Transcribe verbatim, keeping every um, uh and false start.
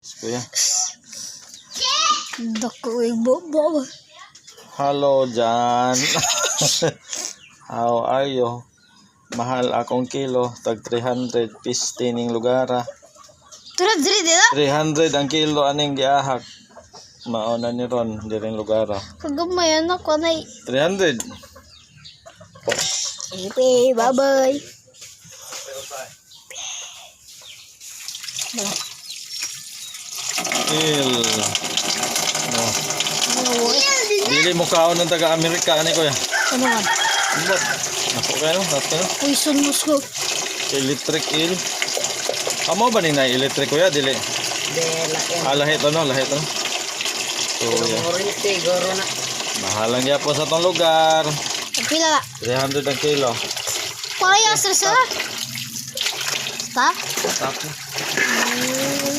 Kuya. Dako yung bobo. Hello, Jan. How are you? Mahal akong kilo. Tag three hundred pisti ning lugara. Turad diri dito? three hundred ang kilo aning giahak. Mauna ni Ron, diring lugara. Kagamayan ako na. three hundred. Ipe, bye-bye. Il. Oh. Dili mo kaon ng taga-Amerika ani kuya. Ano ka? Bot. Ako kayo, nato. Poison musko. Electric eel. Amo ba ni na electric kuya dili? Dela yan. Ah, lahit ano, lahit ano. So, yeah. Morite, goro na. Mahalang yapon sa tong lugar. Pila la. three hundred ang kilo. Parehas na sila. Stop. Stop. Mm.